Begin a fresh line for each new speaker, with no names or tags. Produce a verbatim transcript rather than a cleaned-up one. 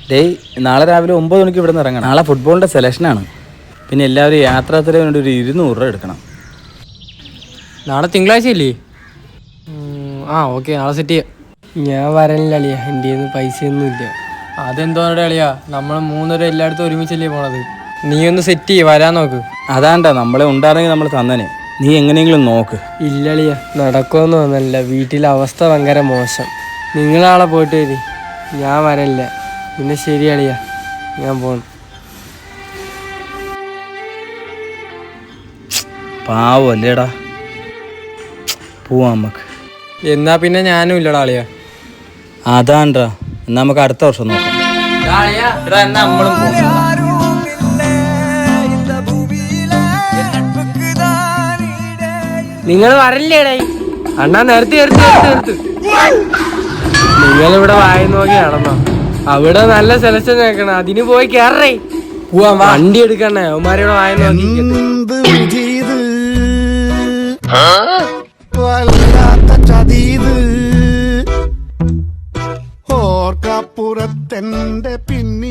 ഡേയ് നാളെ രാവിലെ ഒമ്പത് മണിക്ക് ഇവിടെ നിന്ന് ഇറങ്ങണം. നാളെ ഫുട്ബോളിൻ്റെ സെലക്ഷനാണ്. പിന്നെ എല്ലാവരും യാത്രാത്തിന് വേണ്ടി ഒരു ഇരുന്നൂറ് രൂപ എടുക്കണം.
നാളെ തിങ്കളാഴ്ച ഇല്ലേ? ആ ഓക്കെ, നാളെ സെറ്റ് ചെയ്യാം.
ഞാൻ വരണില്ല അളിയ, എൻ്റെ കയ്യിൽ പൈസയൊന്നും ഇല്ല.
അതെന്തോന്നടെ അളിയാ, നമ്മൾ മൂന്നുപേരും എല്ലായിടത്തും ഒരുമിച്ചല്ലേ പോണത്. നീ ഒന്ന് സെറ്റ് ചെയ്യ്, വരാൻ നോക്ക്.
അതാണ്ടാ നമ്മളെ ഉണ്ടായിരുന്നെങ്കിൽ നമ്മൾ തന്നെ. നീ എങ്ങനെയെങ്കിലും നോക്ക്.
ഇല്ല അളിയ, നടക്കുമെന്ന് തോന്നല്ല. വീട്ടിലെ അവസ്ഥ ഭയങ്കര മോശം. നിങ്ങളാളെ പോയിട്ട് വരി, ഞാൻ വരണില്ല. പിന്നെ ശരി അളിയ, ഞാൻ പോണം.
പാവല്ലേടാ, പോവാ നമുക്ക്.
എന്നാ പിന്നെ ഞാനും ഇല്ലടാ അളിയാ.
അതാണ്ടാ, എന്നാ നമുക്ക് അടുത്ത വർഷം നോക്കാം. നമ്മളും പോകും.
നിങ്ങൾ വരല്ലേടേ അണ്ണാ? നേരത്തെ നേരത്തെ നേരത്തെ നിങ്ങളിവിടെ വായി നോക്കി നടന്നോ? അവിടെ നല്ല സെലക്ഷൻ കേൾക്കണം, അതിന് പോയി കേറേ. പോവാൻ വണ്ടി എടുക്കണേ, അവന്മാരോട് വായി നോക്കി.
ഓർക്കപ്പുറത്തെന്റെ പിന്നെ